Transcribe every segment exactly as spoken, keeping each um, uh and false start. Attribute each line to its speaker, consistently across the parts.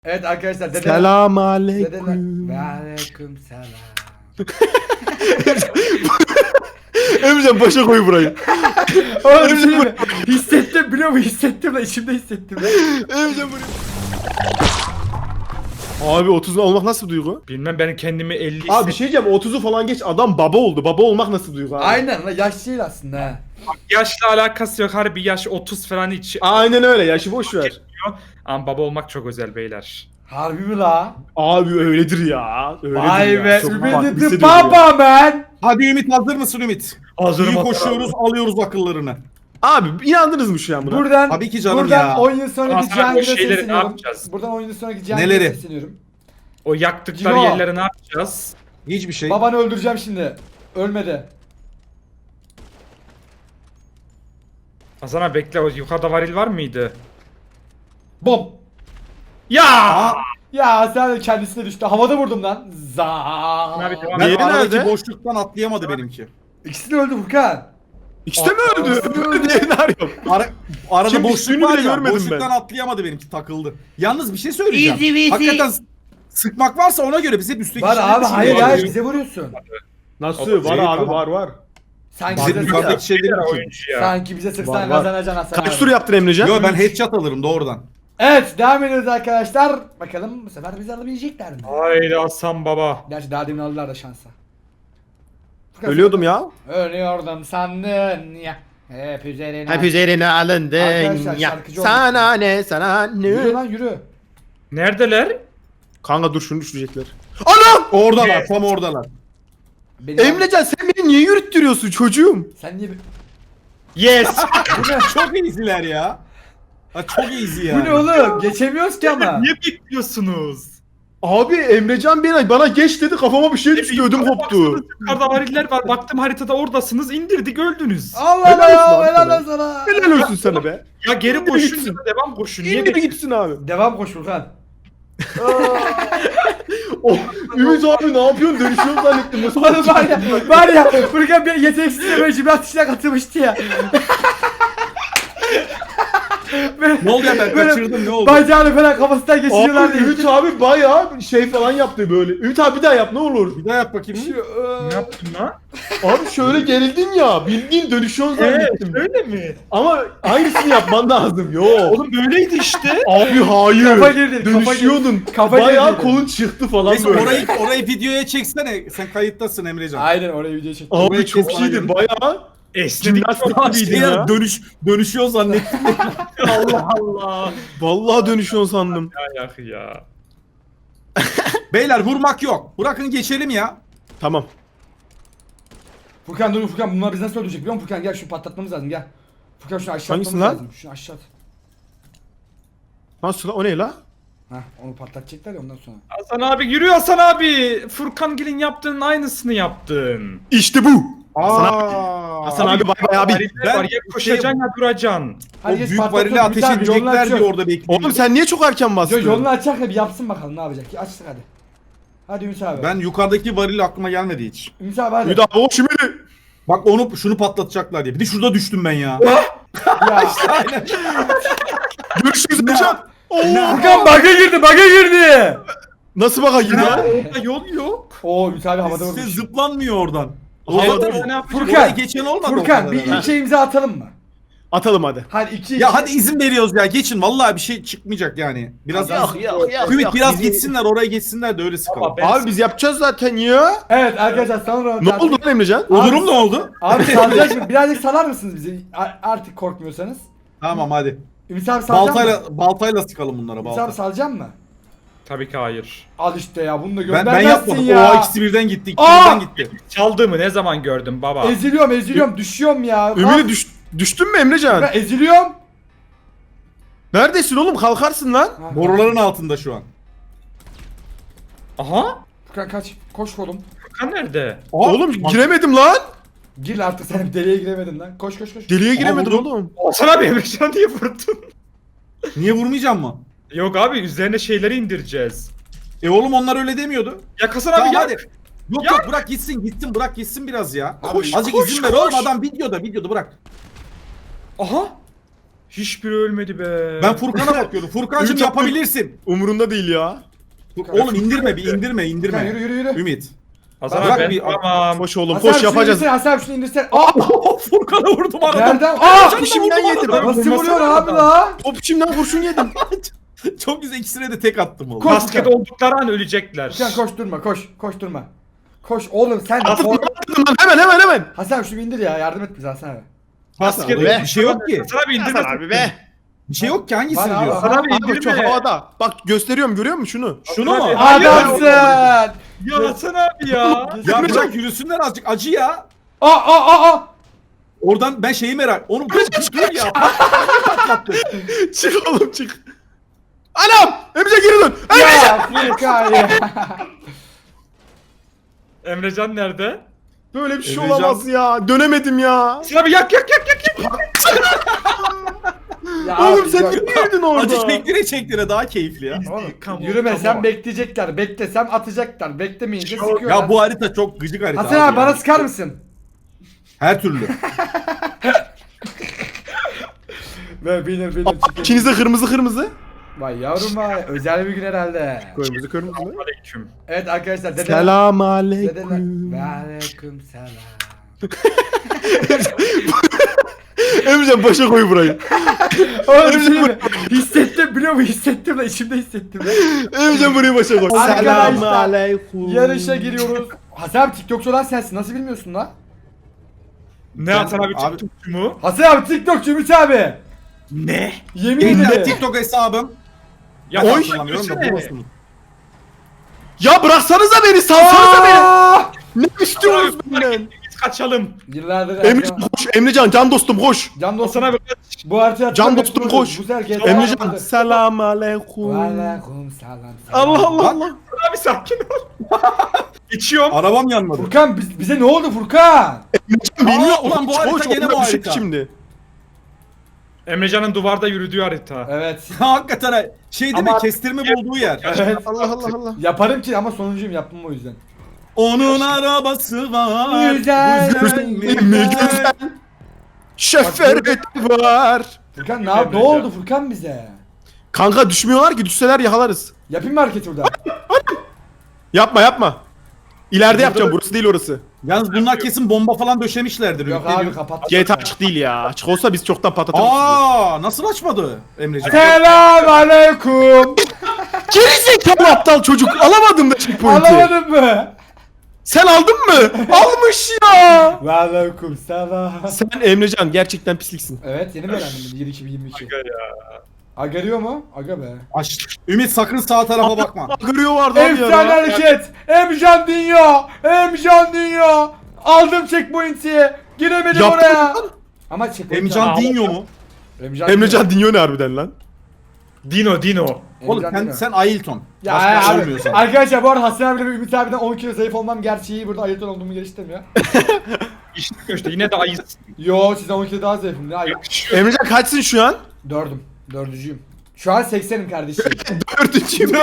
Speaker 1: Evet arkadaşlar dede.
Speaker 2: Selam
Speaker 1: Dedeler.
Speaker 2: aleyküm.
Speaker 1: Ve aleyküm selam.
Speaker 2: Emrecan başa koy burayı.
Speaker 1: Oğlum bir şey diyeyim mi? Hissettim biliyor musun? Hissettim lan içimde hissettim lan.
Speaker 2: Emrecan burayı. Abi otuz olmak nasıl bir duygu?
Speaker 3: Bilmem ben kendimi elli
Speaker 2: Abi bir şey diyeceğim, otuzu falan geç, adam baba oldu. Baba olmak nasıl bir duygu abi?
Speaker 1: Aynen lan yaş değil aslında ha.
Speaker 3: Yaşla alakası yok, harbi yaş otuz falan hiç.
Speaker 2: Aynen öyle, yaşı boş ver.
Speaker 3: Ama baba olmak çok özel beyler.
Speaker 1: Harbi mi la?
Speaker 2: Abi öyledir ya. Öyledir
Speaker 1: Vay
Speaker 2: ya.
Speaker 1: be
Speaker 2: Çok
Speaker 1: Ümit
Speaker 2: farklı
Speaker 1: the
Speaker 2: hissediyorum
Speaker 1: baba man.
Speaker 4: Hadi Ümit, hazır mısın Ümit?
Speaker 3: Hazırım
Speaker 4: İyi
Speaker 3: hatta
Speaker 4: koşuyoruz, alıyoruz akıllarını.
Speaker 2: ya. Abi inandınız mı şu an buna?
Speaker 1: Buradan
Speaker 4: Tabii ki canım
Speaker 1: buradan
Speaker 4: ya.
Speaker 1: on yıl sonraki
Speaker 3: Hasan abi, o
Speaker 1: Cihangir'e
Speaker 3: şeyleri ne
Speaker 1: sesleniyorum.
Speaker 3: yapacağız?
Speaker 1: Buradan on yıl sonraki Cihangir'e
Speaker 4: Neleri?
Speaker 1: sesleniyorum.
Speaker 3: O yaktıkları
Speaker 1: Cino.
Speaker 3: yerleri ne yapacağız?
Speaker 4: Hiçbir şey.
Speaker 1: Babanı öldüreceğim şimdi. Ölmedi.
Speaker 3: Hasan abi bekle, o yukarıda varil var mıydı?
Speaker 1: Bom.
Speaker 3: Ya!
Speaker 4: Aa,
Speaker 1: Ya sen de kendisine düştü. Havada vurdum lan. Za.
Speaker 3: Abi devam
Speaker 4: ben
Speaker 2: Diğeri
Speaker 4: aradaki
Speaker 2: nerede?
Speaker 4: boşluktan atlayamadı benimki.
Speaker 1: İkisi de öldü Furkan.
Speaker 2: İkisi de mi öldü?
Speaker 1: Aa,
Speaker 2: Diğerini arıyorum.
Speaker 4: Ara, arada
Speaker 2: Kim
Speaker 4: boşluk
Speaker 2: düştüğünü
Speaker 4: var
Speaker 2: bile
Speaker 4: ya,
Speaker 2: görmedim
Speaker 4: boşluktan
Speaker 2: ben.
Speaker 4: atlayamadı benimki, takıldı. Yalnız bir şey söyleyeceğim.
Speaker 1: Easy easy.
Speaker 4: Hakikaten s- sıkmak varsa ona göre biz hep üstteki
Speaker 1: Var
Speaker 4: şeyleri
Speaker 1: abi hayır
Speaker 4: düşünüyoruz.
Speaker 1: hayır bize vuruyorsun.
Speaker 2: Nasıl?
Speaker 3: O-
Speaker 2: Var
Speaker 4: Şey,
Speaker 2: abi,
Speaker 4: tamam.
Speaker 2: var var.
Speaker 1: Sanki
Speaker 4: Bizim
Speaker 1: bize,
Speaker 4: yukarıdaki şeyleri
Speaker 3: Beyler
Speaker 4: düşünüyoruz.
Speaker 3: oyuncu ya.
Speaker 1: sanki bize sıksan
Speaker 2: Var, var.
Speaker 1: kazanacaksın Hasan
Speaker 2: Kaç
Speaker 1: abi.
Speaker 2: tur yaptın Emrecan?
Speaker 4: Yo, ben headshot alırım doğrudan.
Speaker 1: Evet devam ediyoruz arkadaşlar. Bakalım bu sefer bizi alabilecekler mi?
Speaker 3: Haydi Hasan baba.
Speaker 1: Gerçi daha demin aldılar da şansa. Furkan,
Speaker 2: Ölüyordum ya.
Speaker 1: Ölüyordum sandın ya. Hep üzerine.
Speaker 2: Hep üzerine alındın
Speaker 1: Arkadaşlar,
Speaker 2: ya.
Speaker 1: şarkıcı
Speaker 2: Sana ne, sana
Speaker 1: Yürü
Speaker 2: ne?
Speaker 1: lan yürü.
Speaker 3: Neredeler?
Speaker 2: Kanka dur şunu düşürecekler. Anam!
Speaker 4: Oradalar, tam oradalar.
Speaker 1: Beni
Speaker 2: Emrecan sen beni niye yürüttürüyorsun çocuğum?
Speaker 1: Sen niye...
Speaker 3: Yes!
Speaker 1: Bu ne?
Speaker 4: Çok easy'ler ya. Ha, çok easy ya.
Speaker 1: Bu ne oğlum? Geçemiyoruz ki ama.
Speaker 3: Niye bekliyorsunuz?
Speaker 2: Abi Emrecan beni bana geç dedi, kafama bir şey düştü, ödüm koptu.
Speaker 3: Baksanız yukarıda variller var. Baktım haritada oradasınız. İndirdik, öldünüz.
Speaker 1: Allah
Speaker 2: Helal olsun
Speaker 1: Allah
Speaker 2: abi
Speaker 1: helal
Speaker 2: sana.
Speaker 1: olsun sana.
Speaker 2: Helal olsun sana be.
Speaker 3: Ya geri
Speaker 2: İndir
Speaker 3: koşun
Speaker 2: gitsin.
Speaker 3: ya da devam koşun. Niye
Speaker 2: İndi bir gitsin abi.
Speaker 1: Devam koş Furkan.
Speaker 2: Oh, Ümit abi ne yapıyorsun? Dönüşüyorum zannettim. Nasıl
Speaker 1: Oğlum var ya, var ya Furkan bir yeteneksizle böyle cimnastik işine katılmıştı ya. Böyle,
Speaker 4: Ne oldu ya, ben
Speaker 1: böyle
Speaker 4: kaçırdım, ne oldu?
Speaker 1: Bacağını falan kafasından geçiriyorlar
Speaker 2: Abi
Speaker 1: diye.
Speaker 2: Ümit abi bayağı şey falan yaptı böyle. Ümit abi bir daha yap ne olur.
Speaker 4: Bir daha yap bakayım.
Speaker 3: Ne yaptın lan?
Speaker 2: Abi şöyle gerildin ya. Bildiğin dönüşüyorsun zannettim.
Speaker 3: öyle mi?
Speaker 2: Ama aynısını yapman lazım. Yo.
Speaker 3: Oğlum böyleydi işte.
Speaker 2: Abi hayır.
Speaker 1: Kafa girdi, kafa
Speaker 2: Dönüşüyordun.
Speaker 1: girdi. Kafa
Speaker 2: bayağı
Speaker 1: girdi.
Speaker 2: kolun çıktı falan
Speaker 4: Neyse,
Speaker 2: böyle.
Speaker 4: orayı, orayı videoya çeksene. Sen kayıttasın Emrecan.
Speaker 1: Aynen oraya video çektim.
Speaker 2: Abi
Speaker 4: orayı
Speaker 2: çok
Speaker 4: kes
Speaker 2: iyiydi.
Speaker 4: bana
Speaker 2: Bayağı
Speaker 3: Esnedik.
Speaker 2: jimnastik
Speaker 4: Şey
Speaker 2: gibiydin
Speaker 4: ya,
Speaker 2: ya.
Speaker 4: dönüş, dönüşüyor zannettim.
Speaker 3: Allah Allah.
Speaker 2: Vallahi dönüşüyorsun sandım.
Speaker 3: Ya ya ya.
Speaker 4: Beyler vurmak yok. Bırakın geçelim ya.
Speaker 2: Tamam.
Speaker 1: Furkan dur Furkan bunlar bizi nasıl öldürecek biliyor musun Furkan gel şunu patlatmamız lazım gel. Furkan şunu aşağı
Speaker 2: Hangisi
Speaker 1: atmamız
Speaker 2: lan?
Speaker 1: lazım. Şunu aşağı at.
Speaker 2: Nasıl lan? O ne la?
Speaker 1: Hah onu patlatacaklar ya ondan sonra.
Speaker 3: Hasan abi yürü Hasan abi. Furkan Gil'in yaptığının aynısını yaptın.
Speaker 2: İşte bu. Hasan abi.
Speaker 4: Aa,
Speaker 2: Hasan abi bay bay abi.
Speaker 3: Variller
Speaker 4: Ben
Speaker 3: var, ya koşacaksın ya duracaksın.
Speaker 4: o
Speaker 1: Hadi geç
Speaker 4: büyük
Speaker 1: patlatıyorum.
Speaker 4: varili
Speaker 1: Ümit
Speaker 4: ateş
Speaker 1: abi, yolunu
Speaker 4: edecekler diye
Speaker 1: açıyoruz.
Speaker 4: orada bekliyorum.
Speaker 2: Oğlum sen niye çok erken bastın?
Speaker 1: Yo, yolunu açacak da bir yapsın bakalım ne yapacak. Açtık hadi. Hadi Ümit abi.
Speaker 4: Ben yukarıdaki varil aklıma gelmedi hiç.
Speaker 1: Ümit abi hadi.
Speaker 2: Bir daha o şimdi.
Speaker 4: Bak onu şunu patlatacaklar diye. Bir de şurada düştüm ben ya.
Speaker 1: Ya.
Speaker 2: Görüşürüz Emrecan. Oo.
Speaker 1: Furkan bug'a girdi bug'a girdi.
Speaker 2: Nasıl baka girdi ha?
Speaker 3: Orada yol yok.
Speaker 1: Oo Ümit abi havada
Speaker 4: Size
Speaker 1: vurmuş.
Speaker 4: zıplanmıyor oradan.
Speaker 2: Havada
Speaker 4: Orada
Speaker 3: mı? Ne yapacağız?
Speaker 1: Furkan.
Speaker 4: Orayı geçen olmadı o
Speaker 1: Furkan
Speaker 4: kadar
Speaker 1: bir
Speaker 4: herhalde.
Speaker 1: ilçe imza atalım mı?
Speaker 2: Atalım hadi.
Speaker 1: Hadi iki
Speaker 4: Ya
Speaker 1: iki-
Speaker 4: hadi izin veriyoruz ya, geçin. Vallahi bir şey çıkmayacak yani. Biraz
Speaker 2: Yok, yok, yok,
Speaker 4: Ümit
Speaker 2: yok.
Speaker 4: biraz
Speaker 2: Bizi-
Speaker 4: gitsinler, oraya geçsinler de öyle sıkalım.
Speaker 3: Baba, ben-
Speaker 2: Abi biz yapacağız zaten ya.
Speaker 1: Evet arkadaşlar sonra
Speaker 2: Ne oldu lan Emrecan?
Speaker 1: Abi-
Speaker 4: Olurum ne oldu?
Speaker 1: Abi salacak mı? Birazcık salar mısınız bizi? A- artık korkmuyorsanız.
Speaker 4: Tamam hadi.
Speaker 1: Ümit abi salacak mı?
Speaker 4: Baltayla baltayla sıkalım bunlara,
Speaker 1: Ümit
Speaker 4: balta.
Speaker 1: abi salacak mı?
Speaker 3: Tabii ki hayır.
Speaker 1: Al işte ya bunu da
Speaker 4: Ben,
Speaker 1: göndermezsin
Speaker 4: ben yapmadım.
Speaker 1: ya.
Speaker 4: O ikisi birden gitti. ikisi
Speaker 1: Aa!
Speaker 4: birden gitti.
Speaker 3: Çaldığımı ne zaman gördün baba?
Speaker 1: Eziliyorum eziliyorum düşüyorum ya.
Speaker 2: Ümidi düş, düştün mü Emrecan?
Speaker 1: Ben eziliyorum.
Speaker 2: Neredesin oğlum? Kalkarsın lan.
Speaker 1: Ha,
Speaker 4: Boruların altında şu an.
Speaker 3: Aha.
Speaker 1: Furkan kaç. Koş oğlum.
Speaker 3: Furkan nerede?
Speaker 2: Oğlum giremedim lan.
Speaker 1: Gir artık sen deliğe giremedin lan. Koş koş koş.
Speaker 2: Deliğe giremedin
Speaker 4: vurdum.
Speaker 2: oğlum.
Speaker 3: Hasan abi Emrecan diye vurdun.
Speaker 4: Niye vurmayacağım mı?
Speaker 3: Yok abi üzerine şeyleri indireceğiz.
Speaker 4: E oğlum onlar öyle demiyordu.
Speaker 3: Ya Hasan
Speaker 4: Tamam
Speaker 3: abi
Speaker 4: hadi.
Speaker 3: yak.
Speaker 4: Yok
Speaker 3: Ya-
Speaker 4: yok, bırak gitsin gitsin, bırak gitsin biraz ya.
Speaker 2: Koş,
Speaker 4: Azıcık
Speaker 2: koş,
Speaker 4: izin ver
Speaker 2: koş.
Speaker 4: oğlum, adam videoda videoda bırak.
Speaker 3: Aha. Hiçbiri ölmedi be.
Speaker 4: Ben Furkan'a bakıyorum. Furkan'cığım
Speaker 2: Ümit
Speaker 4: yapabilirsin.
Speaker 2: Umurunda değil ya.
Speaker 4: Oğlum indirme bir indirme
Speaker 1: Furkan
Speaker 4: indirme.
Speaker 1: yürü yürü yürü.
Speaker 4: Ümit.
Speaker 3: Hasan
Speaker 4: Bırak
Speaker 3: abi ben
Speaker 4: bir-
Speaker 3: tamam.
Speaker 2: Koş oğlum
Speaker 1: Hasan abi
Speaker 2: koş
Speaker 1: şunu
Speaker 2: yapacağız.
Speaker 1: indirsene, Hasan abi şunu indirsene. Aa!
Speaker 4: Furkan'a vurdum aradan.
Speaker 1: Nereden? Aa!
Speaker 4: Canım da
Speaker 2: İçimden
Speaker 4: vurdum
Speaker 2: yedim.
Speaker 4: aradan.
Speaker 1: Nasıl
Speaker 3: Vurmasana
Speaker 1: vuruyor abi
Speaker 3: adam.
Speaker 1: la?
Speaker 2: Top içimden kurşun yedim.
Speaker 4: Çok güzel ikisine de tek attım oğlum.
Speaker 1: Koş.
Speaker 3: Basket oldukları an ölecekler.
Speaker 1: Furkan koş durma koş. Koş durma. Koş oğlum sen.
Speaker 2: Atın
Speaker 1: Or-
Speaker 2: atın lan hemen hemen hemen.
Speaker 1: Hasan abi şunu indir ya, yardım et bize Hasan abi.
Speaker 3: Basket
Speaker 2: Be.
Speaker 4: Bir şey yok ki.
Speaker 3: Hasan abi indirme.
Speaker 2: Hasan abi be.
Speaker 4: Bir şey yok ki hangisini
Speaker 1: Bana
Speaker 4: diyor?
Speaker 1: bak.
Speaker 3: Hasan abi
Speaker 2: Abi çok
Speaker 3: indirme.
Speaker 2: havada. Bak gösteriyorum görüyor musun şunu?
Speaker 4: Şunu mu?
Speaker 3: Abi,
Speaker 4: Hayır.
Speaker 1: Adamsın. Aa
Speaker 3: Ya Hasan abi ya.
Speaker 4: Ya bırak yürüsünler azıcık acı ya.
Speaker 1: aa aa aa.
Speaker 4: Oradan ben şeyi merak. Onu dur dur ya. Patlattı.
Speaker 2: Çık oğlum çık. Anam! Emre geri dön.
Speaker 1: Ya Furkan ya.
Speaker 3: Emrecan nerede?
Speaker 2: Böyle bir şey
Speaker 4: Emrecan-
Speaker 2: olamaz ya. Dönemedim ya.
Speaker 3: Hasan abi yak yak yak yak yak.
Speaker 1: Ya
Speaker 2: Oğlum
Speaker 1: abi,
Speaker 2: sen
Speaker 1: yok.
Speaker 2: niye girdin orada?
Speaker 4: Acı çektire çektire daha keyifli ya.
Speaker 1: Oğlum,
Speaker 3: Come on,
Speaker 1: yürümesem
Speaker 3: come on.
Speaker 1: bekleyecekler. Beklesem atacaklar. Beklemeyince
Speaker 3: Yok,
Speaker 1: sıkıyorlar.
Speaker 4: Ya bu harita çok gıcık harita.
Speaker 1: Hasan abi bana
Speaker 4: yani.
Speaker 1: sıkar mısın?
Speaker 4: Her türlü.
Speaker 1: Ve bilir bilir çıkın.
Speaker 2: İkiniz de kırmızı kırmızı.
Speaker 1: Vay yavrum vay. Özel bir gün herhalde.
Speaker 2: Kırmızı kırmızı.
Speaker 3: Aleyküm.
Speaker 1: Evet arkadaşlar. Dede,
Speaker 2: Selam
Speaker 1: Dedeler.
Speaker 2: aleyküm.
Speaker 1: Ve aleyküm selam.
Speaker 2: Emrecan başa koy burayı.
Speaker 1: Oğlum bir şey mi? Hissettim biliyor musun? Hissettim de içimde hissettim.
Speaker 2: Emrecan burayı başa koy.
Speaker 1: Arkadaşlar,
Speaker 2: Selam aleyküm.
Speaker 1: Yarışa giriyoruz. Hasan abi TikTokçu olan sensin. Nasıl bilmiyorsun lan?
Speaker 3: Ne Hasan abi
Speaker 4: Abi-
Speaker 3: TikTokçu mu?
Speaker 1: Hasan abi TikTokçu Ümit abi.
Speaker 4: Ne?
Speaker 1: Yemin
Speaker 4: Benim de
Speaker 1: ederim.
Speaker 4: TikTok hesabım.
Speaker 3: Ya
Speaker 4: Ben
Speaker 2: Oy.
Speaker 4: hatırlamıyorum da
Speaker 3: Yürüsene.
Speaker 4: bulursunuz.
Speaker 2: Ya bıraksanıza beni, salsanıza beni.
Speaker 1: Aa!
Speaker 2: Ne istiyorsunuz benden?
Speaker 3: Biz kaçalım.
Speaker 1: Yıllardır
Speaker 2: Emrecan koş, Emrecan can dostum koş.
Speaker 1: Can dostum.
Speaker 3: Hasan abi kaç.
Speaker 1: Bu haritayı
Speaker 2: Can
Speaker 1: hatırlamıyorum.
Speaker 2: dostum,
Speaker 1: Bu-
Speaker 2: koş.
Speaker 1: Bu sefer G T A
Speaker 2: Emrecan
Speaker 1: vardı.
Speaker 2: selam
Speaker 1: Ve
Speaker 2: aleyküm.
Speaker 1: aleyküm selam. selam.
Speaker 2: Allah Allah Allah.
Speaker 3: Hasan abi sakin ol. İçiyorum.
Speaker 4: Arabam yanmadı.
Speaker 1: Furkan biz, bize ne oldu Furkan?
Speaker 2: Bilmiyorum.
Speaker 4: Aa, ulan bu
Speaker 2: Koş,
Speaker 4: harita
Speaker 2: koş,
Speaker 4: gene
Speaker 2: onunla
Speaker 4: bu
Speaker 2: düşük
Speaker 4: harita.
Speaker 2: Şimdi.
Speaker 3: Emrecan'ın duvarda yürüdüğü harita.
Speaker 1: Evet.
Speaker 4: Hakikaten ha, şey değil
Speaker 3: Ama-
Speaker 4: mi? Kestirme bulduğu yer.
Speaker 1: Evet.
Speaker 2: Allah Allah Allah.
Speaker 1: Yaparım ki ama sonuncuyum, yapmam o yüzden.
Speaker 4: Onun arabası var.
Speaker 1: Güzel.
Speaker 4: Güzel mi?
Speaker 2: Mi güzel. Şoförü var.
Speaker 1: Furkan ne, yap- ne oldu Furkan bize?
Speaker 2: Kanka düşmüyorlar ki, düşseler yakalarız.
Speaker 1: Yapayım mı hareket burada?
Speaker 2: Yapma yapma. İleride yapacağım, burası değil orası.
Speaker 4: Yalnız bunlar kesin bomba falan döşemişlerdir.
Speaker 1: Yok
Speaker 4: Ümit
Speaker 1: abi
Speaker 4: ediyorum.
Speaker 1: kapat.
Speaker 2: G T A açık değil ya. Açık olsa biz çoktan patlatırız.
Speaker 4: Aa, nasıl açmadı Emrecan?
Speaker 1: Selam aleyküm.
Speaker 2: Geri zekalı aptal çocuk. Alamadım da checkpoint'i.
Speaker 1: Alamadın mı?
Speaker 2: Sen aldın mı? Almış ya.
Speaker 1: Ve aleyküm selam.
Speaker 2: Sen Emrecan gerçekten pisliksin.
Speaker 1: Evet yeni mi öğrendim bunu yirmi iki yirmi iki.
Speaker 3: Aga ya.
Speaker 1: Agariyor mu? Aga be.
Speaker 4: Aç. Ümit sakın sağ tarafa bakma.
Speaker 2: Görüyor vardı abi
Speaker 1: Efsane
Speaker 2: ya.
Speaker 1: hareket. Emcan Dünya. Emcan Dünya. Aldım checkpoint'i. Giremedim
Speaker 2: Yaptın
Speaker 1: oraya.
Speaker 2: lan.
Speaker 1: Ama checkpoint.
Speaker 4: Emcan Dinyo mu?
Speaker 1: Emcan,
Speaker 2: Emrecan dinliyor ne harbiden lan?
Speaker 3: Dino Dino.
Speaker 4: Oğlum
Speaker 1: Emcan
Speaker 4: sen,
Speaker 1: Dünya.
Speaker 4: sen Ailton.
Speaker 1: Ya
Speaker 4: Başka bir şey
Speaker 1: abi,
Speaker 4: olmuyorsan.
Speaker 1: arkadaşlar bu arada Hasan abiyle ve Ümit abiden on kilo zayıf olmam gerçeği burada ayırt olduğumu geliştirmiyor.
Speaker 3: İşte işte yine de ayız.
Speaker 1: Yo sizden on kilo daha zayıfım ne ayıp.
Speaker 2: Emrecan kaçsın şu an?
Speaker 1: Dördüm. Dördüncüyüm. Şu an seksenim kardeşim.
Speaker 2: Dördüncüyüm.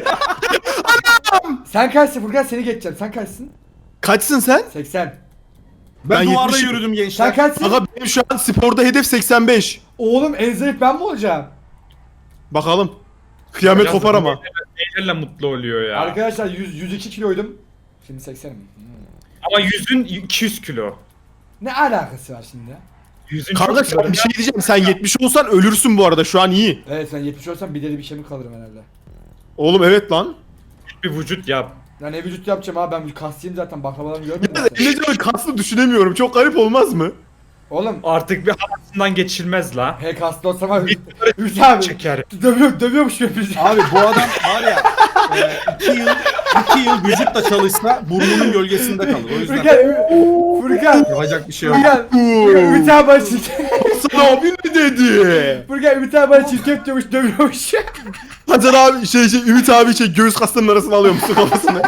Speaker 1: Sen kaçsın Furkan, seni geçeceğim. Sen kaçsın?
Speaker 2: Kaçsın sen?
Speaker 1: seksen.
Speaker 4: Ben,
Speaker 2: Ben
Speaker 4: duvarda
Speaker 2: yetmişim.
Speaker 4: yürüdüm
Speaker 1: Sen
Speaker 4: gençler.
Speaker 1: kaçsın?
Speaker 2: Aga benim şu an sporda hedef seksen beş.
Speaker 1: Oğlum en zayıf ben mi olacağım?
Speaker 2: Bakalım. Kıyamet
Speaker 3: Biraz
Speaker 2: kopar
Speaker 3: da
Speaker 2: ama.
Speaker 3: Nelerle mutlu oluyor ya.
Speaker 1: Arkadaşlar yüz, yüz iki kiloydum. Şimdi seksenim. Hmm.
Speaker 3: Ama yüzün iki yüz kilo.
Speaker 1: Ne alakası var şimdi?
Speaker 3: Yüzün
Speaker 2: Kanka
Speaker 3: çok kilo.
Speaker 2: sen bir şey diyeceğim. Sen yetmiş olsan ölürsün bu arada. Şu an iyi.
Speaker 1: Evet sen yetmiş olsam bir deli bir şey mi kalırım herhalde.
Speaker 2: Oğlum evet lan.
Speaker 3: Bir vücut yap.
Speaker 1: Ya ne vücut yapacağım abi, ben kaslıyım zaten, baklavalarımı görmedin
Speaker 2: Ya
Speaker 1: mi
Speaker 2: da
Speaker 1: sen?
Speaker 2: Emrecan'ın kaslı düşünemiyorum. Çok garip olmaz mı?
Speaker 1: Oğlum
Speaker 3: Artık bir havasından geçilmez la.
Speaker 1: he kaslı olsam abi.
Speaker 3: Bir
Speaker 1: Ümit abi.
Speaker 3: çeker.
Speaker 1: Dövüyor, dövüyormuş hepimizi.
Speaker 4: Abi bu adam var ya e, iki yıl iki yıl vücutla çalışsa burnunun gölgesinde kalır. O yüzden
Speaker 1: Furkan, Furkan,
Speaker 4: yapacak bir şey yok.
Speaker 1: Furkan, Furkan, Ümit abi bana çirkef.
Speaker 2: Hasan abi ne dedi?
Speaker 1: Furkan, Ümit abi bana çirkef diyormuş, dövüyormuş.
Speaker 2: Hasan abi şey şey Ümit abi şey göğüs kaslarının arasına alıyormuşsun kafasını.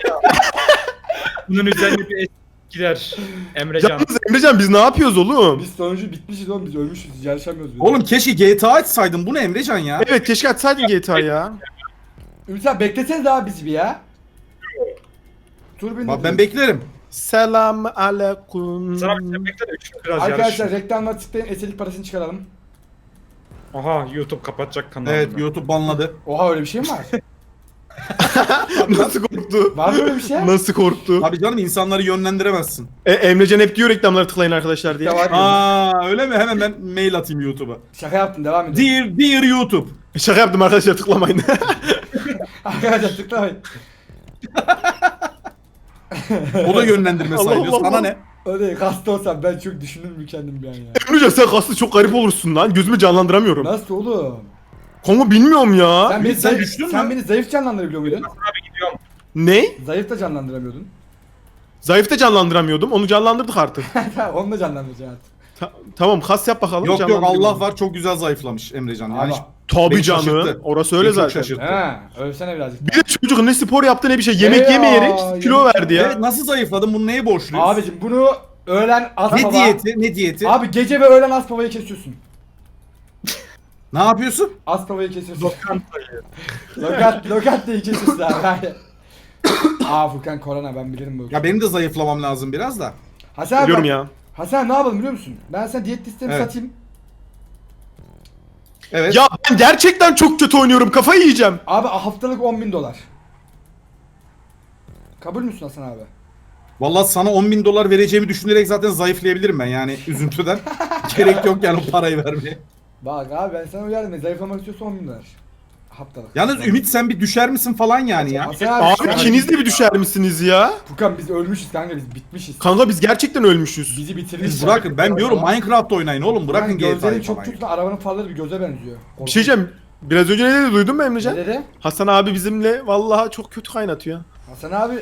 Speaker 3: Bunun üzerine bir es gider. Emrecan.
Speaker 2: Yalnız Emrecan biz ne yapıyoruz oğlum?
Speaker 1: Biz sonucu bitmişiz oğlum, biz ölmüşüz, yarışamıyoruz biz.
Speaker 4: Oğlum keşke G T A açsaydın. Bu ne Emrecan ya?
Speaker 2: Evet keşke açsaydın G T A ya.
Speaker 1: Ümit abi beklesene daha bizi bir ya. Tur bindir.
Speaker 4: Bak ben beklerim.
Speaker 2: Selam aleyküm.
Speaker 3: Sana bir şey bekle de üçünü biraz
Speaker 1: Arkadaşlar
Speaker 3: yarış.
Speaker 1: reklamlar tıklayın, eselik parasını çıkaralım.
Speaker 3: Aha YouTube kapatacak kanalı.
Speaker 4: Evet YouTube banladı.
Speaker 1: Oha öyle bir şey mi var?
Speaker 2: Nasıl korktu?
Speaker 1: Var mı öyle bir şey?
Speaker 2: Nasıl korktu?
Speaker 4: Abi canım insanları yönlendiremezsin.
Speaker 2: E, Emrecan hep diyor reklamlara tıklayın arkadaşlar diye.
Speaker 1: Ya var ya.
Speaker 4: Aa öyle mi? Hemen ben mail atayım YouTube'a.
Speaker 1: Şaka yaptın devam edin.
Speaker 4: Dear, dear YouTube.
Speaker 2: Şaka yaptım arkadaşlar tıklamayın.
Speaker 1: Arkadaşlar tıklamayın.
Speaker 4: O da yönlendirme
Speaker 2: Allah
Speaker 4: sayılıyor.
Speaker 2: Allah
Speaker 4: Sana
Speaker 2: Allah.
Speaker 4: ne?
Speaker 1: Öyle hasta olsam ben çok düşünürüm kendim bir an ya.
Speaker 2: Emrecan sen kaslı çok garip olursun lan. Gözümü canlandıramıyorum.
Speaker 1: Nasıl oğlum?
Speaker 2: Konu bilmiyorum ya.
Speaker 1: Sen beni,
Speaker 4: sen
Speaker 1: zayıf,
Speaker 4: düştün
Speaker 1: sen
Speaker 4: mü?
Speaker 1: beni zayıf canlandırabiliyor muydun?
Speaker 3: Abi gidiyorum.
Speaker 2: Ne?
Speaker 1: Zayıf da canlandıramıyordun.
Speaker 2: Zayıf da canlandıramıyordum. Onu canlandırdık artık.
Speaker 1: Tamam onu da canlandıracaksın artık.
Speaker 2: Ta- tamam kas yap bakalım.
Speaker 4: Yok yok
Speaker 2: canlandırayım
Speaker 4: Allah
Speaker 2: onu.
Speaker 4: var çok güzel zayıflamış Emrecan. Yani
Speaker 1: Abi.
Speaker 4: hiç-
Speaker 2: Tabii
Speaker 4: Beni
Speaker 2: canım.
Speaker 4: şaşırttı.
Speaker 2: Orası öyle
Speaker 4: Beni çok
Speaker 2: zaten.
Speaker 4: şaşırttı.
Speaker 1: He, ölsene birazcık.
Speaker 2: Bir de çocuk ne spor yaptı ne bir şey. Yemek
Speaker 1: Ya,
Speaker 2: yemeyerek kilo
Speaker 1: yemek-
Speaker 2: verdi ya.
Speaker 4: Evet nasıl zayıfladın? Bunu neye borçluyuz?
Speaker 1: Abicim bunu öğlen az
Speaker 4: ne
Speaker 1: baba.
Speaker 4: diyeti? Ne diyeti?
Speaker 1: Abi gece ve öğlen az babayı kesiyorsun.
Speaker 4: Ne yapıyorsun?
Speaker 1: Az babayı kesiyorsun. Lokantayı. Lokant, lokantayı kesiyorsun abi. Hayır. Aa Furkan korona ben bilirim bu.
Speaker 4: Ya benim de zayıflamam lazım biraz da.
Speaker 1: Hasan abi
Speaker 2: Biliyorum
Speaker 1: bak-
Speaker 2: ya.
Speaker 1: Hasan ne yapalım biliyor musun? Ben sana diyet listemi
Speaker 4: Evet.
Speaker 1: satayım.
Speaker 4: Evet.
Speaker 2: Ya ben gerçekten çok kötü oynuyorum. Kafayı yiyeceğim.
Speaker 1: Abi haftalık on bin dolar. Kabul müsün Hasan abi?
Speaker 4: Vallahi sana on bin dolar vereceğimi düşünerek zaten zayıflayabilirim ben yani üzüntüden. Gerek yok yani o parayı vermeye.
Speaker 1: Bak abi ben sana uyardım. Zayıflamak istiyorsan on bin dolar. Haftalık.
Speaker 4: Yalnız Ümit sen bir düşer misin falan yani ya.
Speaker 1: Hasan abi,
Speaker 2: Abi
Speaker 1: sen-
Speaker 2: ikiniz de bir düşer misiniz ya?
Speaker 1: Furkan biz ölmüşüz kanka biz bitmişiz.
Speaker 2: Kanka biz gerçekten ölmüşüz.
Speaker 1: Bizi bitirmiş.
Speaker 4: Biz bırakın ben diyorum Minecraft oynayın oğlum bırakın G T
Speaker 1: Gözlerin
Speaker 4: A'yı
Speaker 1: çok
Speaker 4: falan.
Speaker 1: tuttu arabanın farları bir göze benziyor.
Speaker 2: Bir şey diyeceğim. Biraz önce ne dedi duydun mu Emrecan?
Speaker 1: Ne dedi?
Speaker 2: Hasan abi bizimle vallahi çok kötü kaynatıyor.
Speaker 1: Hasan abi.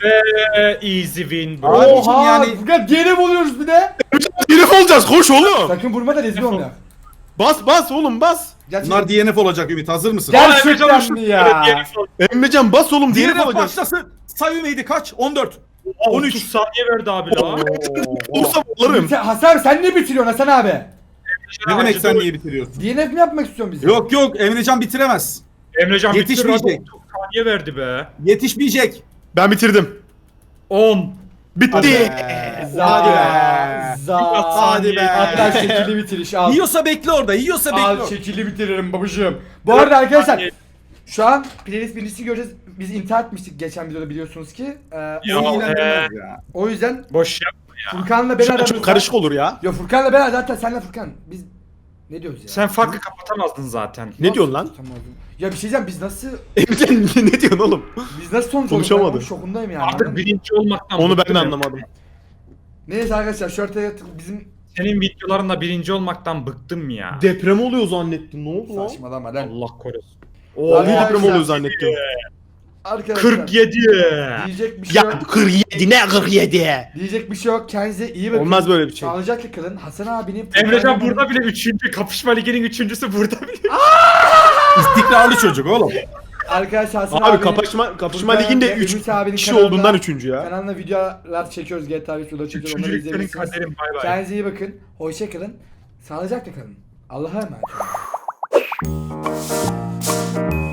Speaker 3: Ve easy win bro.
Speaker 4: Abi,
Speaker 1: Oha
Speaker 4: yani-
Speaker 1: Furkan D N F oluyoruz bir de.
Speaker 2: Herif olacağız koş oğlum.
Speaker 1: Sakın vurma da rezil olma.
Speaker 2: Bas bas oğlum bas.
Speaker 1: Gerçekten.
Speaker 4: Bunlar D N F olacak Ümit hazır mısın?
Speaker 1: Gel
Speaker 3: Aa,
Speaker 1: şuradan
Speaker 3: Emrecan
Speaker 1: mı ya?
Speaker 2: Emrecan bas oğlum diğeri
Speaker 4: D N F
Speaker 2: olacağız.
Speaker 4: başlasın. Say Ümit'i kaç? on dört.
Speaker 3: on üç saniye verdi abi la.
Speaker 2: Olsam alırım.
Speaker 1: Sen- Hasan abi sen ne bitiriyorsun Hasan abi?
Speaker 4: Ne demek sen niye bitiriyorsun?
Speaker 1: D N F mi yapmak istiyorsun bizi?
Speaker 4: Yok yok Emrecan bitiremez.
Speaker 3: Emrecan bitti
Speaker 4: Yetişmeyecek.
Speaker 3: otuz saniye verdi be.
Speaker 4: Yetişmeyecek.
Speaker 2: Ben bitirdim.
Speaker 3: on.
Speaker 2: Bitti.
Speaker 1: Za.
Speaker 4: Hadi be.
Speaker 1: Za.
Speaker 4: Hadi be.
Speaker 1: Hatta şekilli bitiriş al.
Speaker 4: Yiyorsa bekle orada. Yiyorsa bekle
Speaker 1: Al
Speaker 4: orada.
Speaker 1: şekilli bitiririm babacığım. Bu arada arkadaşlar şu an playlist birincisi göreceğiz. Biz intihar etmiştik geçen videoda biliyorsunuz ki. Ee,
Speaker 3: Ya,
Speaker 4: Seni ilgilendirmez
Speaker 3: e,
Speaker 4: ya.
Speaker 1: o yüzden
Speaker 3: Boş yapma ya.
Speaker 1: Furkan'la ben
Speaker 2: Şu an
Speaker 1: aramızda...
Speaker 2: çok karışık olur ya.
Speaker 1: Ya Furkan'la ben zaten senle Furkan. Biz ne diyoruz ya?
Speaker 3: Sen farkı kapatamazdın zaten.
Speaker 2: Ne diyorsun lan?
Speaker 1: Tamam. Ya bir şey diyeceğim biz nasıl
Speaker 2: Emrecan ne diyorsun oğlum?
Speaker 1: biz nasıl sonuç
Speaker 2: Konuşamadı.
Speaker 1: olduk? Ben şokundayım yani.
Speaker 3: Artık birinci olmaktan
Speaker 2: Onu ben
Speaker 3: bıktım
Speaker 2: de
Speaker 3: ya.
Speaker 2: anlamadım.
Speaker 1: Neyse arkadaşlar şu ortaya bizim
Speaker 3: Senin videolarında birinci olmaktan bıktım ya.
Speaker 2: Deprem oluyor zannettim. Ne oldu lan?
Speaker 1: saçmalama lan.
Speaker 3: Allah korusun.
Speaker 2: Vallahi
Speaker 1: Arkadaşlar-
Speaker 2: deprem oluyor zannettim.
Speaker 1: Arkadaşlar
Speaker 3: kırk yedi.
Speaker 1: diyecek bir şey
Speaker 2: Ya
Speaker 1: yok.
Speaker 2: kırk yedi ne kırk yedi?
Speaker 1: Diyecek bir şey yok. Kendinize iyi bakın.
Speaker 2: Olmaz böyle bir şey.
Speaker 1: Sağlıcakla kalın. Hasan abinin
Speaker 3: Emrecan burada bile üçüncü. Kapışma liginin üçüncüsü burada bile.
Speaker 4: İstikrarlı çocuk oğlum.
Speaker 1: Arkadaşlar Hasan
Speaker 2: Abi
Speaker 1: abinin-
Speaker 2: kapışma kapışma
Speaker 1: Furkan
Speaker 2: liginde
Speaker 1: ve
Speaker 2: üç
Speaker 1: Ümit abinin
Speaker 2: kişi
Speaker 1: kanalında-
Speaker 2: olduğundan üçüncü ya.
Speaker 1: Kanalına videolar çekiyoruz. G T A beş videoları çekiyoruz. Onları
Speaker 3: Üçüncülük senin
Speaker 1: izleyebilirsiniz.
Speaker 3: kaderin bay bay.
Speaker 1: Kendinize iyi bakın. Hoşça kalın. Sağlıcakla kalın. Allah'a emanet olun.